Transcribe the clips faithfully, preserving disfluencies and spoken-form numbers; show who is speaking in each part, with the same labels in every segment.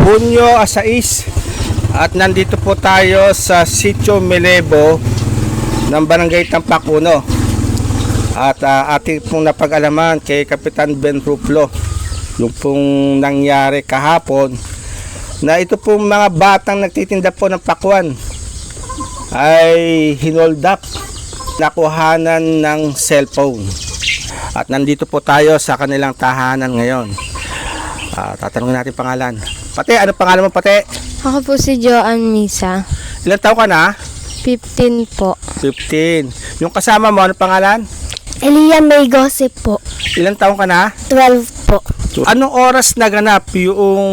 Speaker 1: Hunyo sais at nandito po tayo sa Sitio Melebo ng Barangay Tampak Uno. At uh, ating pong napag-alaman kay Kapitan Ben Ruflo yung pong nangyari kahapon na ito pong mga batang nagtitinda po ng pakwan ay hinold up, nakuhanan ng cellphone. At nandito po tayo sa kanilang tahanan ngayon. Uh, tatanungin natin pangalan. Pate, ano pangalan mo, Pate?
Speaker 2: Ako po si Joanne Misa.
Speaker 1: Ilan taon ka na?
Speaker 2: fifteen po.
Speaker 1: fifteen. Yung kasama mo, ano pangalan?
Speaker 2: Elia May Gossip po.
Speaker 1: Ilan taon ka na?
Speaker 2: twelve po.
Speaker 1: Anong oras naganap yung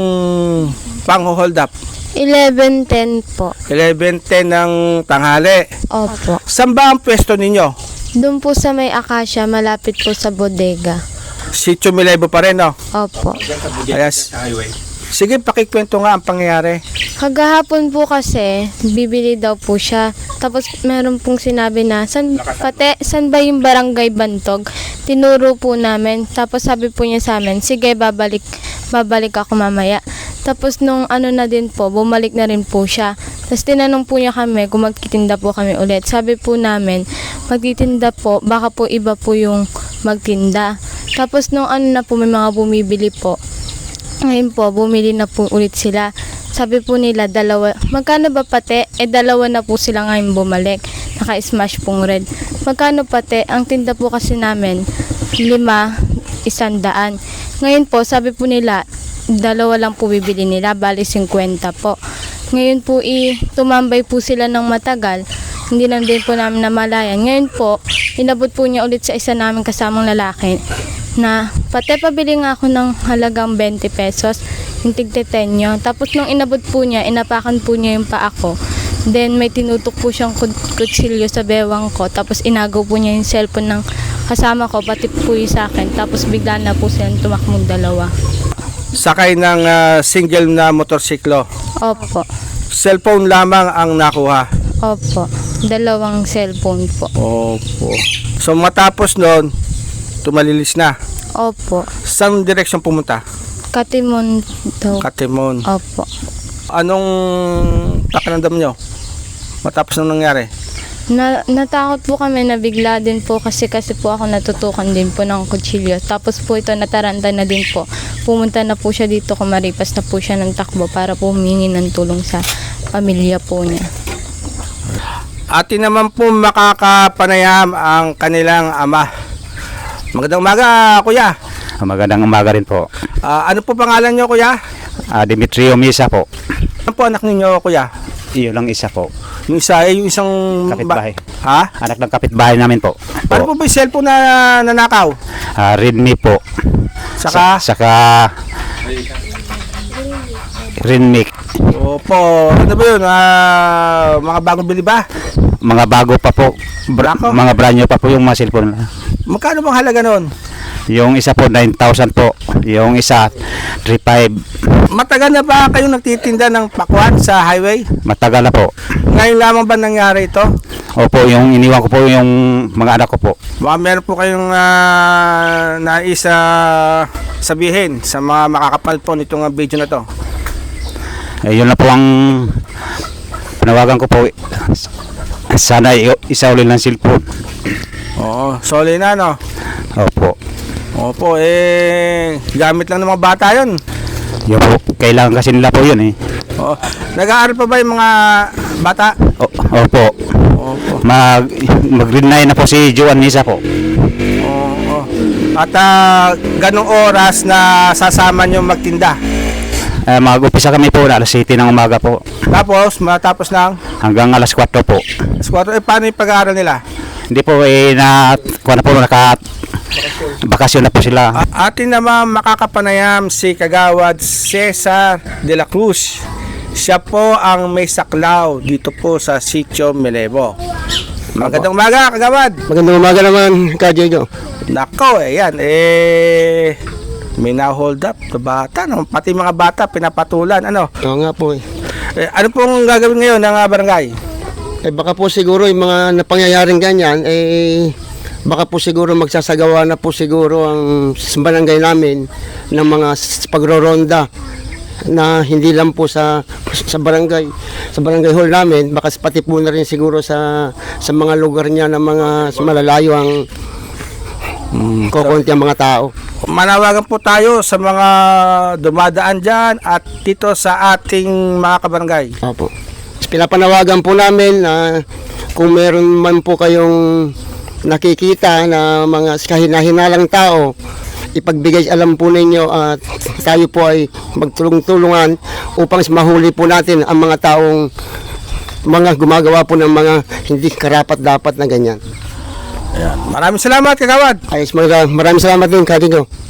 Speaker 1: pang-hold up?
Speaker 2: eleven ten po.
Speaker 1: eleven ten ng tanghali.
Speaker 2: Opo.
Speaker 1: Saan ba ang pwesto ninyo?
Speaker 2: Doon po sa may Acacia, malapit po sa bodega.
Speaker 1: Sitio Melebo pa rin, no?
Speaker 2: Opo.
Speaker 1: Ayas. Sige, pakikwento nga ang pangyayari.
Speaker 2: Kagahapon po kasi, bibili daw po siya. Tapos meron pong sinabi na, san, pate, san ba yung barangay Bantog? Tinuro po namin. Tapos sabi po niya sa amin, sige, babalik, babalik ako mamaya. Tapos nung ano na din po, bumalik na rin po siya. Tapos tinanong po niya kami kung magtitinda po kami ulit. Sabi po namin, magtitinda po, baka po iba po yung magtinda. Tapos nung ano na po, may mga bumibili po. Ngayon po, bumili na po ulit sila. Sabi po nila, dalawa. Magkano ba pate? Eh, dalawa na po sila ngayon bumalik. Naka-smash pong red. Magkano pate? Ang tinda po kasi namin, lima, isang daan. Ngayon po, sabi po nila, dalawa lang po bibili nila, bali fifty po. Ngayon po, i tumambay po sila ng matagal. Hindi na din po namin namalayan. Ngayon po, inabot po niya ulit sa isa namin kasamang lalaki na pati pabili nga ako ng halagang twenty pesos, yung tigte ten nyo. Tapos nung inabot po niya, inapakan po niya yung paa ko. Then may tinutok po siyang kutsilyo sa bewang ko. Tapos inagaw po niya yung cellphone ng kasama ko, pati po yung sa akin. Tapos bigla na po silang tumakmong dalawa.
Speaker 1: Sakay ng uh, single na motorsiklo.
Speaker 2: Opo.
Speaker 1: Cellphone lamang ang nakuha.
Speaker 2: Opo. Dalawang cellphone po.
Speaker 1: Opo. So matapos noon, tumalilis na.
Speaker 2: Opo.
Speaker 1: Saan direksyon pumunta?
Speaker 2: Katimon daw.
Speaker 1: Katimon.
Speaker 2: Opo.
Speaker 1: Anong pakiramdam nyo matapos nang nangyari?
Speaker 2: Na, natakot po kami na bigla din po kasi kasi po ako natutukan din po ng kutsilyo. Tapos po ito nataranta na din po. Pumunta na po siya dito, kumaripas na po siya ng takbo para po humingi ng tulong sa pamilya po niya.
Speaker 1: Atin naman po makakapanayam ang kanilang ama. Magandang umaga, kuya.
Speaker 3: Magandang umaga rin po.
Speaker 1: Uh, ano po pangalan nyo, kuya?
Speaker 3: Uh, Demetrio Misa po.
Speaker 1: Ano po anak ninyo, kuya?
Speaker 3: Iyo lang isa po.
Speaker 1: Yung isa ay yung isang
Speaker 3: kapitbahay.
Speaker 1: Ha?
Speaker 3: Anak ng kapitbahay namin po.
Speaker 1: Ano po ba yung cellphone na nanakaw?
Speaker 3: Uh, Redmi po.
Speaker 1: Saka?
Speaker 3: Sa, saka Redmi.
Speaker 1: Opo. Ano ba yun? Uh, mga bagong bili ba?
Speaker 3: Mga bago pa po. Bra- mga brand new pa po yung mga cellphone.
Speaker 1: Magkano bang halaga nun?
Speaker 3: Yung isa po nine thousand po. Yung isa three five.
Speaker 1: Matagal na ba kayong nagtitinda ng pakwan sa highway?
Speaker 3: Matagal na po.
Speaker 1: Ngayon lamang ba nangyari ito?
Speaker 3: Opo, yung iniwan ko po yung mga anak ko po.
Speaker 1: Baka meron po kayong uh, nais uh, sabihin sa mga makakapal po nitong uh, video na to.
Speaker 3: Eh, yun na po ang panawagan ko po. Sana isa ulit ng cellphone.
Speaker 1: Oo, sorry na, no?
Speaker 3: Opo.
Speaker 1: Opo, eh, gamit lang ng mga bata yun.
Speaker 3: Yun po, kailangan kasi nila po yun eh.
Speaker 1: Oo. Nag-aaral pa ba yung mga bata?
Speaker 3: O, opo.
Speaker 1: Opo.
Speaker 3: Mag, mag-green nine na po si Joanne Misa po.
Speaker 1: Oo. At uh, ganong oras na sasama nyo magtinda?
Speaker 3: Eh, mag-upisa kami po na alas eight ng umaga po.
Speaker 1: Tapos, matapos ng?
Speaker 3: Hanggang alas four po.
Speaker 1: Alas four, eh, paano yung pag-aaral nila?
Speaker 3: Hindi po eh, na, kung ano po, naka, bakasyon na po sila.
Speaker 1: Uh, atin naman makakapanayam si Kagawad Cesar de la Cruz. Siya po ang may saklaw dito po sa Sitio Melebo. Magandang umaga, Kagawad.
Speaker 4: Magandang umaga naman, Ka Jojo.
Speaker 1: Nako, eh, yan, eh, may na-hold up na bata, no? Pati mga bata pinapatulan, ano?
Speaker 4: Oo nga po eh.
Speaker 1: Eh, ano pong gagawin ngayon ng uh, barangay?
Speaker 4: Eh baka po siguro yung mga napangyayaring ganyan, eh baka po siguro magsasagawa na po siguro ang barangay namin ng mga s- pagroronda. na hindi lang po sa sa barangay sa barangay hall namin, baka pati po na rin siguro sa sa mga lugar niya na mga sa malalayo ang kukunti ang mga tao.
Speaker 1: Manawagan po tayo sa mga dumadaan dyan at dito sa ating mga kabarangay.
Speaker 4: Opo. Pinapanawagan po namin na kung meron man po kayong nakikita na mga kahina-hinalang tao, ipagbigay alam po ninyo at tayo po ay magtulong-tulungan upang mahuli po natin ang mga taong mga gumagawa po ng mga hindi karapat-dapat na ganyan.
Speaker 1: Maraming salamat, Kagawad.
Speaker 4: Ayos, maraming salamat din, Kadigo.